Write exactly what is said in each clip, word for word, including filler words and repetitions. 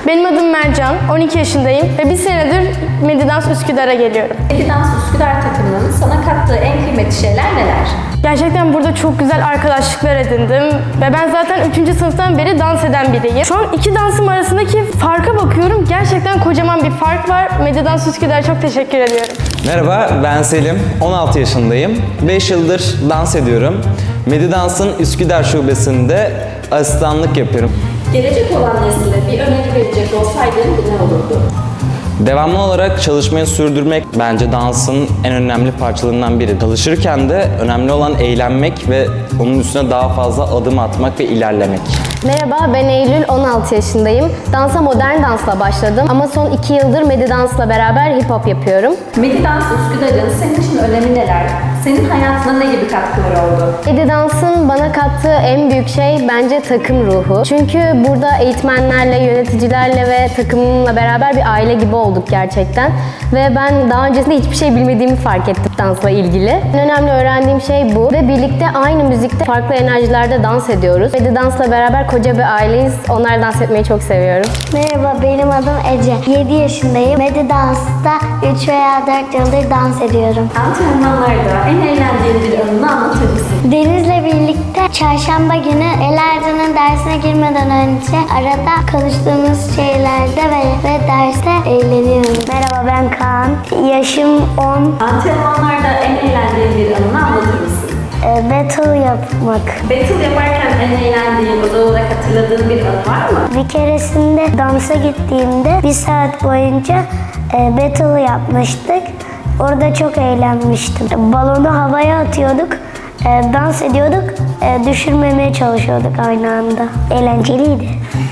Benim adım Mercan, on iki yaşındayım ve bir senedir Medidans Üsküdar'a geliyorum. Medidans Üsküdar takımının sana kattığı en kıymetli şeyler neler? Gerçekten burada çok güzel arkadaşlıklar edindim ve ben zaten üçüncü sınıftan beri dans eden biriyim. Şu an iki dansım arasındaki farka bakıyorum. Gerçekten kocaman bir fark var. Medidans Üsküdar'a çok teşekkür ediyorum. Merhaba, ben Selim. on altı yaşındayım. beş yıldır dans ediyorum. Medidans'ın Üsküdar şubesinde asistanlık yapıyorum. Gelecek olan nesile bir öneri verecek olsaydın bu ne olurdu? Devamlı olarak çalışmayı sürdürmek bence dansın en önemli parçalarından biri. Çalışırken de önemli olan eğlenmek ve onun üstüne daha fazla adım atmak ve ilerlemek. Merhaba, ben Eylül, on altı yaşındayım. Dansa modern dansla başladım ama son iki yıldır Medidans'la beraber hip hop yapıyorum. Medidans Üsküdar'ın senin için önemi neler? Senin hayatına ne gibi katkıları oldu? Medidans'ın bana kattığı en büyük şey bence takım ruhu. Çünkü burada eğitmenlerle, yöneticilerle ve takımımla beraber bir aile gibi olduk gerçekten. Ve ben daha öncesinde hiçbir şey bilmediğimi fark ettim dansla ilgili. En önemli öğrendiğim şey bu ve birlikte aynı müzikte farklı enerjilerde dans ediyoruz. Medidans'la beraber koca bir aileyiz. Onlar dans etmeyi çok seviyorum. Merhaba, benim adım Ece. yedi yaşındayım. Medidans'ta üç veya dört yıldır dans ediyorum. Antrenmanlarda en eğlendiğin bir anını anlatır mısın? Deniz'le birlikte çarşamba günü Elercan'ın dersine girmeden önce arada konuştuğumuz şeylerde ve, ve derste eğleniyoruz. Merhaba, ben Kaan. Yaşım on. Antrenmanlarda en eğlendiğin bir anını anlatır mısın? E, battle yapmak. Battle yaparken en eğlendiğin, özel olarak hatırladığın bir anı var mı? Bir keresinde dansa gittiğimde bir saat boyunca e, battle yapmıştık. Orada çok eğlenmiştim. Balonu havaya atıyorduk, e, dans ediyorduk, e, düşürmemeye çalışıyorduk aynı anda. Eğlenceliydi.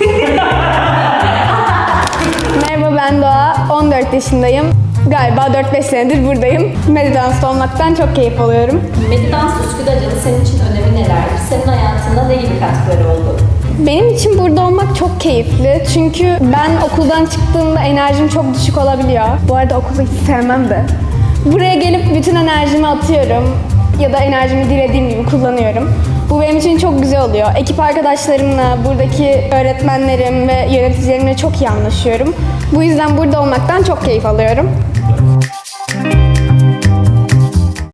Merhaba, ben Doğa, on dört yaşındayım. Galiba dört beş senedir buradayım. Medidans'ta olmaktan çok keyif alıyorum. Medidans Üsküdar'ın senin için önemi neler? Senin hayatında ne gibi katkıları oldu? Benim için burada olmak çok keyifli. Çünkü ben okuldan çıktığımda enerjim çok düşük olabiliyor. Bu arada okulu hiç sevmem de. Buraya gelip bütün enerjimi atıyorum. Ya da enerjimi dilediğim gibi kullanıyorum. Bu benim için çok güzel oluyor. Ekip arkadaşlarımla, buradaki öğretmenlerim ve yöneticilerimle çok iyi anlaşıyorum. Bu yüzden burada olmaktan çok keyif alıyorum.